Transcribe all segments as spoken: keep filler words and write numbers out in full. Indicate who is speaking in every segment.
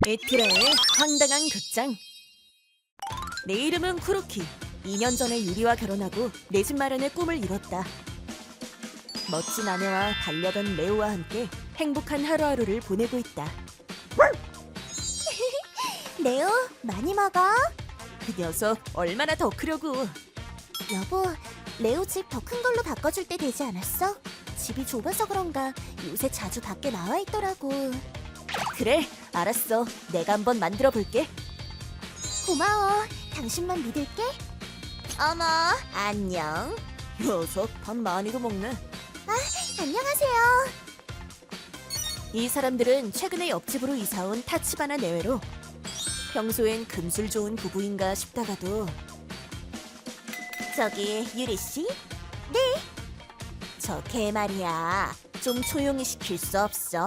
Speaker 1: 에티라의 황당한 극장. 내 이름은 쿠로키. 이 년 전에 유리와 결혼하고 내 집 마련의 꿈을 이뤘다. 멋진 아내와 반려견 레오와 함께 행복한 하루하루를 보내고 있다.
Speaker 2: 레오, 많이 먹어.
Speaker 1: 그 녀석 얼마나 더 크려고.
Speaker 2: 여보, 레오 집 더 큰 걸로 바꿔줄 때 되지 않았어? 집이 좁아서 그런가 요새 자주 밖에 나와 있더라고.
Speaker 1: 그래, 알았어. 내가 한번 만들어 볼게.
Speaker 2: 고마워. 당신만 믿을게. 어머, 안녕.
Speaker 1: 녀석 밥 많이도 먹네.
Speaker 2: 안녕하세요.
Speaker 1: 이 사람들은 최근에 옆집으로 이사온 타치바나 내외로 평소엔 금술 좋은 부부인가 싶다가도.
Speaker 2: 저기 유리 씨,
Speaker 1: 저 개 말이야. 좀 조용히 시킬 수 없어?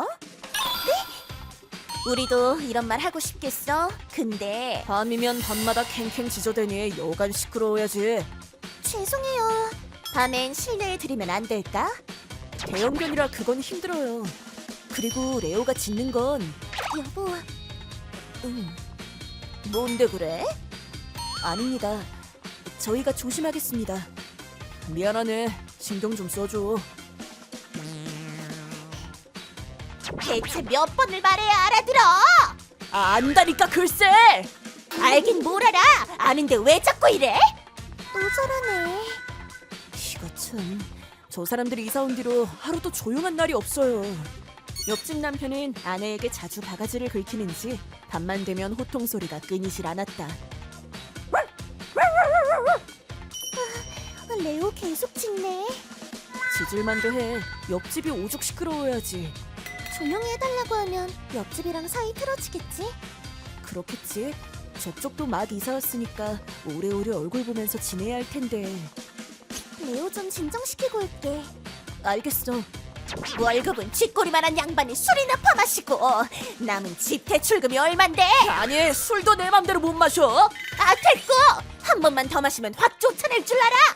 Speaker 2: 네? 우리도 이런 말 하고 싶겠어. 근데
Speaker 1: 밤이면 밤마다 캥캥 짖어대니 여간 시끄러워야지.
Speaker 2: 죄송해요. 밤엔 실내에 들이면 안 될까?
Speaker 1: 대형견이라 그건 힘들어요. 그리고 레오가 짖는 건.
Speaker 2: 여보,
Speaker 1: 음, 뭔데 그래? 아닙니다. 저희가 조심하겠습니다. 미안하네. 신경 좀 써줘.
Speaker 2: 대체 몇 번을 말해야 알아들어?
Speaker 1: 아, 안다니까 글쎄.
Speaker 2: 알긴 뭘 알아. 아는데 왜 자꾸 이래? 또 저러네.
Speaker 1: 이거 참. 저 사람들이 이사 온 뒤로 하루도 조용한 날이 없어요. 옆집 남편은 아내에게 자주 바가지를 긁히는지 밤만 되면 호통 소리가 끊이질 않았다.
Speaker 2: 레오 계속 짖네.
Speaker 1: 짖을만도 해. 옆집이 오죽 시끄러워야지.
Speaker 2: 조용히 해달라고 하면 옆집이랑 사이 틀어지겠지?
Speaker 1: 그렇겠지. 저쪽도 막 이사 왔으니까 오래오래 얼굴 보면서 지내야 할 텐데.
Speaker 2: 레오 좀 진정시키고 올게.
Speaker 1: 알겠어.
Speaker 2: 월급은 쥐꼬리만한 양반이 술이나 퍼마시고 남은 집 대출금이 얼만데?
Speaker 1: 아니, 술도 내 맘대로 못 마셔.
Speaker 2: 아, 됐고! 한 번만 더 마시면 확 쫓아낼 줄 알아!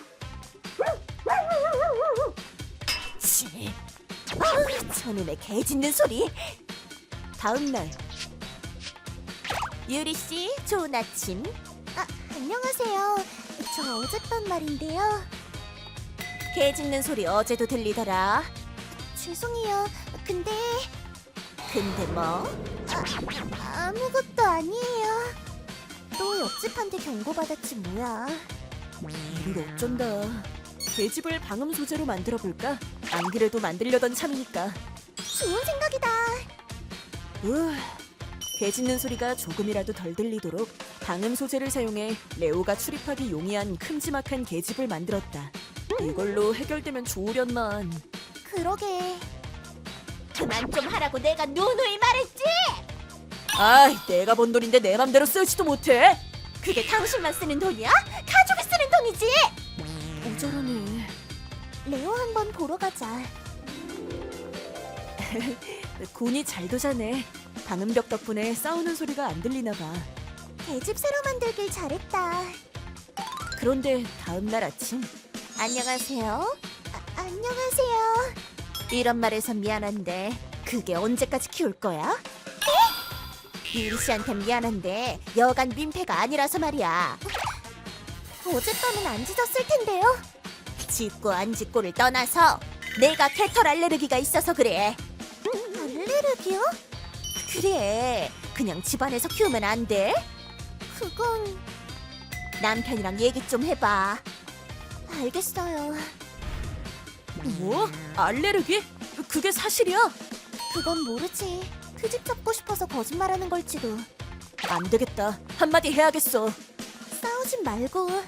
Speaker 2: 치, 아우, 저놈의 개 짖는 소리.
Speaker 1: 다음 날.
Speaker 2: 유리씨, 좋은 아침. 아, 안녕하세요. 저 어젯밤 말인데요.
Speaker 1: 개 짖는 소리 어제도 들리더라.
Speaker 2: 죄송해요. 근데
Speaker 1: 근데 뭐?
Speaker 2: 아, 아무것도 아니에요. 또 옆집한테 경고받았지 뭐야.
Speaker 1: 이를 어쩐다. 개집을 방음 소재로 만들어 볼까? 안 그래도 만들려던 참이니까.
Speaker 2: 좋은 생각이다.
Speaker 1: 으, 개 짖는 소리가 조금이라도 덜 들리도록 방음 소재를 사용해 레오가 출입하기 용이한 큼지막한 개집을 만들었다. 이걸로 해결되면 좋으련만.
Speaker 2: 그러게. 그만 좀 하라고 내가 누누이 말했지.
Speaker 1: 아이, 내가 번 돈인데 내 맘대로 쓰지도 못해.
Speaker 2: 그게 당신만 쓰는 돈이야? 가족이 쓰는 돈이지.
Speaker 1: 어쩌라네.
Speaker 2: 레오 한번 보러 가자.
Speaker 1: 곤이 잘 도자네. 방음벽 덕분에 싸우는 소리가 안 들리나 봐.
Speaker 2: 개집 새로 만들길 잘했다.
Speaker 1: 그런데 다음 날 아침.
Speaker 2: 안녕하세요. 아, 안녕하세요.
Speaker 1: 이런 말해서 미안한데 그게 언제까지 키울 거야?
Speaker 2: 유리 씨한테 미안한데 여간 민폐가 아니라서 말이야. 어젯밤은 안 짖었을 텐데요. 짖고 안 짖고를 떠나서 내가 개털 알레르기가 있어서 그래. 알레르기요? 그래. 그냥 집안에서 키우면 안 돼. 그건 남편이랑 얘기 좀 해봐. 알겠어요.
Speaker 1: 뭐? 알레르기? 그게 사실이야?
Speaker 2: 그건 모르지. 그 집 잡고 싶어서 거짓말하는 걸지도.
Speaker 1: 안 되겠다. 한마디 해야겠어.
Speaker 2: 싸우지 말고.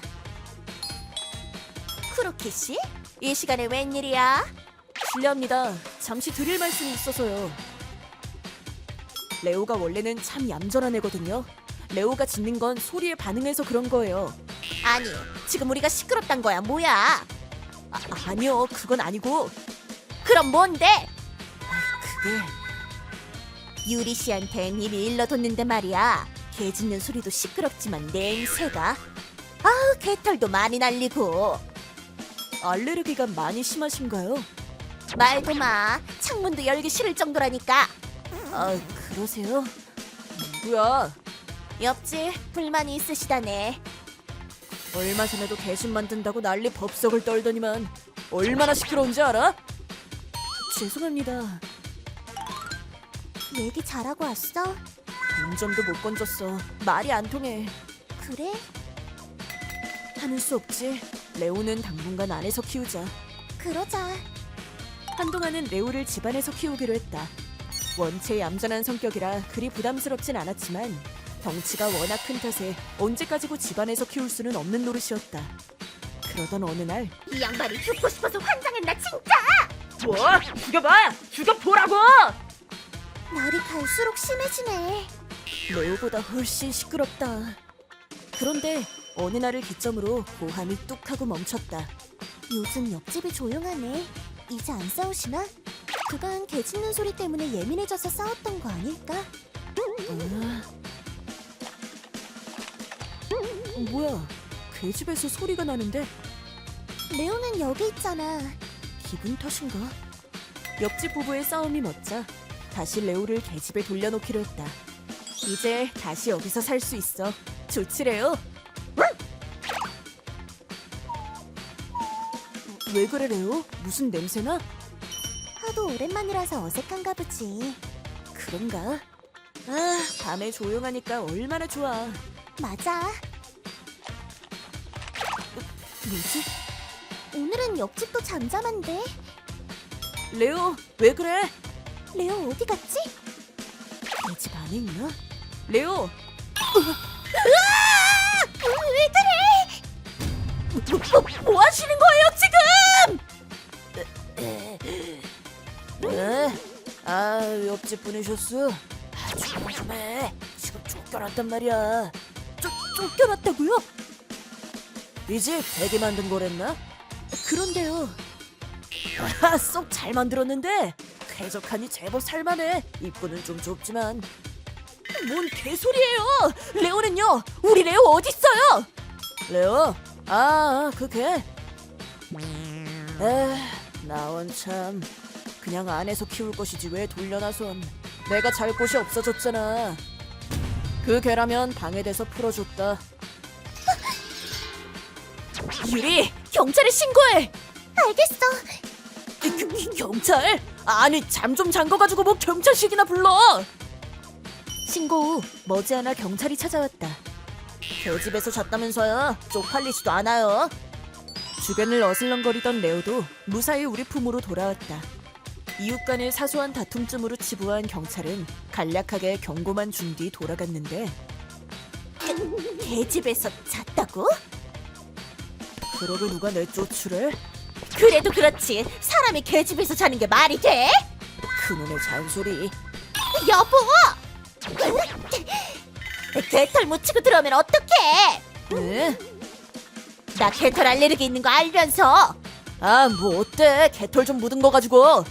Speaker 2: 쿠로키 씨? 이 시간에 웬일이야?
Speaker 1: 실례합니다. 잠시 드릴 말씀이 있어서요. 레오가 원래는 참 얌전한 애거든요. 레오가 짖는 건 소리에 반응해서 그런 거예요.
Speaker 2: 아니, 지금 우리가 시끄럽단 거야, 뭐야?
Speaker 1: 아, 아니요, 그건 아니고.
Speaker 2: 그럼 뭔데?
Speaker 1: 그게
Speaker 2: 유리 씨한텐 이미 일러뒀는데 말이야. 개 짖는 소리도 시끄럽지만 냄새가. 아우, 개털도 많이 날리고.
Speaker 1: 알레르기가 많이 심하신가요?
Speaker 2: 말도 마. 창문도 열기 싫을 정도라니까.
Speaker 1: 아, 그러세요? 누구야?
Speaker 2: 옆집 불만이 있으시다네.
Speaker 1: 얼마 전에도 개심 만든다고 난리 법석을 떨더니만 얼마나 시끄러운지 알아? 죄송합니다.
Speaker 2: 얘기 잘하고 왔어?
Speaker 1: 동전도 못 건졌어. 말이 안 통해.
Speaker 2: 그래?
Speaker 1: 하는 수 없지. 레오는 당분간 안에서 키우자.
Speaker 2: 그러자.
Speaker 1: 한동안은 레오를 집안에서 키우기로 했다. 원체 얌전한 성격이라 그리 부담스럽진 않았지만 덩치가 워낙 큰 탓에 언제까지고 집안에서 키울 수는 없는 노릇이었다. 그러던 어느 날
Speaker 2: 이 양반이 죽고 싶어서 환장했나 진짜!
Speaker 1: 뭐? 죽여봐! 죽여보라고!
Speaker 2: 날이 갈수록 심해지네.
Speaker 1: 레오보다 훨씬 시끄럽다. 그런데 어느 날을 기점으로 고함이 뚝 하고 멈췄다.
Speaker 2: 요즘 옆집이 조용하네. 이제 안 싸우시나? 그간 개 짖는 소리 때문에 예민해져서 싸웠던 거 아닐까?
Speaker 1: 아... 뭐야? 개집에서 소리가 나는데
Speaker 2: 레오는 여기 있잖아.
Speaker 1: 기분 탓인가? 옆집 부부의 싸움이 멎자 다시 레오를 개집에 돌려놓기로 했다. 이제 다시 여기서 살 수 있어. 좋지 레오? 왜 그래 레오? 무슨 냄새나?
Speaker 2: 하도 오랜만이라서 어색한가 보지.
Speaker 1: 그런가? 아, 밤에 조용하니까 얼마나 좋아.
Speaker 2: 맞아.
Speaker 1: 뭐지?
Speaker 2: 오늘은 옆집도 잠잠한데.
Speaker 1: 레오, 왜 그래?
Speaker 2: 레오 어디 갔지?
Speaker 1: 내 집 안에 있나? 레오!
Speaker 2: 왜 그래?
Speaker 1: 뭐, 뭐, 뭐 하시는 거예요 지금? 네? 아, 옆집 분이셨어? 아, 조용 좀 해. 지금 쫓겨났단 말이야. 쫓, 쫓겨났다고요? 이 집 베개 만든 거랬나? 그런데요. 아, 쏙 잘 만들었는데 쾌적하니 제법 살만해. 입구는 좀 좁지만. 뭔 개소리예요? 레오는요? 우리 레오 어딨어요? 레오? 아, 그 개? 에, 나원 참. 그냥 안에서 키울 것이지 왜 돌려놔선. 내가 잘 곳이 없어졌잖아. 그 개라면 방해돼서 풀어줬다. 유리, 경찰에 신고해.
Speaker 2: 알겠어.
Speaker 1: 그, 그, 경찰? 아니 잠 좀 잔 거 가지고 뭐 경찰식이나 불러. 신고 후 머지않아 경찰이 찾아왔다. 개집에서 잤다면서요. 쪽팔리지도 않아요. 주변을 어슬렁거리던 레오도 무사히 우리 품으로 돌아왔다. 이웃 간의 사소한 다툼쯤으로 치부한 경찰은 간략하게 경고만 준 뒤 돌아갔는데
Speaker 2: 개집에서 잤다고?
Speaker 1: 그러게 누가 내 쫓으래?
Speaker 2: 그래도 그렇지. 사람이 개집에서 자는 게 말이 돼?
Speaker 1: 그놈의 잔소리.
Speaker 2: 여보! 개털 묻히고 들어오면 어떡해?
Speaker 1: 네?
Speaker 2: 나 개털 알레르기 있는 거 알면서.
Speaker 1: 아, 뭐 어때? 개털 좀 묻은 거 가지고.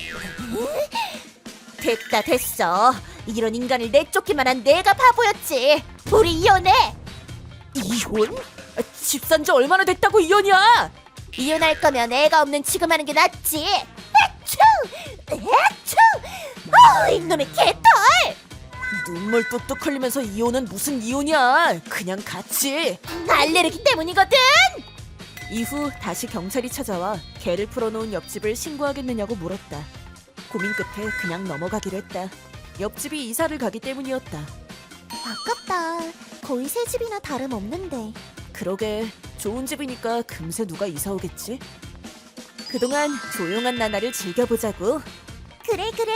Speaker 2: 됐다 됐어. 이런 인간을 내쫓기만 한 내가 바보였지. 우리 이혼해.
Speaker 1: 이혼? 아, 집 산 지 얼마나 됐다고 이혼이야?
Speaker 2: 이혼할 거면 애가 없는 지금 하는 게 낫지. 애추! 애추! 어, 이놈의 개털!
Speaker 1: 눈물 뚝뚝 흘리면서 이혼은 무슨 이혼이야? 그냥 같이.
Speaker 2: 알레르기 때문이거든.
Speaker 1: 이후 다시 경찰이 찾아와 개를 풀어놓은 옆집을 신고하겠느냐고 물었다. 고민 끝에 그냥 넘어가기로 했다. 옆집이 이사를 가기 때문이었다.
Speaker 2: 아깝다. 거의 새 집이나 다름없는데.
Speaker 1: 그러게 좋은 집이니까 금세 누가 이사 오겠지? 그동안 조용한 나날을 즐겨보자고.
Speaker 2: 그래 그래.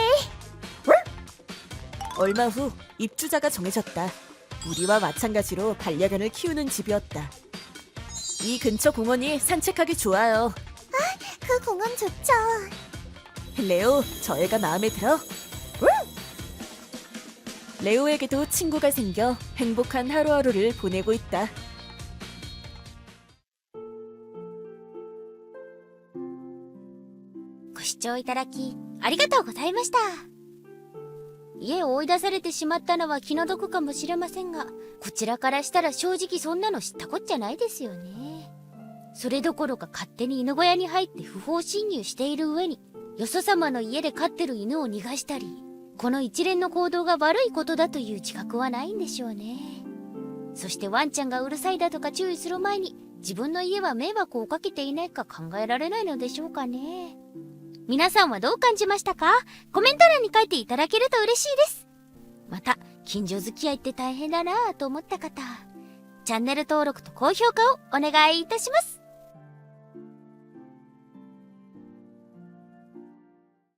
Speaker 1: 얼마 후 입주자가 정해졌다. 우리와 마찬가지로 반려견을 키우는 집이었다. 이 근처 공원이 산책하기 좋아요.
Speaker 2: 그 공원 좋죠.
Speaker 1: 레오, 저 애가 마음에 들어? 레오에게도 친구가 생겨 행복한 하루하루를 보내고 있다.
Speaker 3: ご視聴いただきありがとうございました。家を追い出されてしまったのは気の毒かもしれませんが、こちらからしたら正直そんなの知ったこっちゃないですよね。それどころか勝手に犬小屋に入って不法侵入している上に、よそ様の家で飼ってる犬を逃がしたり、 この一連の行動が悪いことだという自覚はないんでしょうね。そしてワンちゃんがうるさいだとか注意する前に自分の家は迷惑をかけていないか考えられないのでしょうかね。皆さんはどう感じましたか？コメント欄に書いていただけると嬉しいです。また近所付き合いって大変だなぁと思った方、チャンネル登録と高評価をお願いいたします。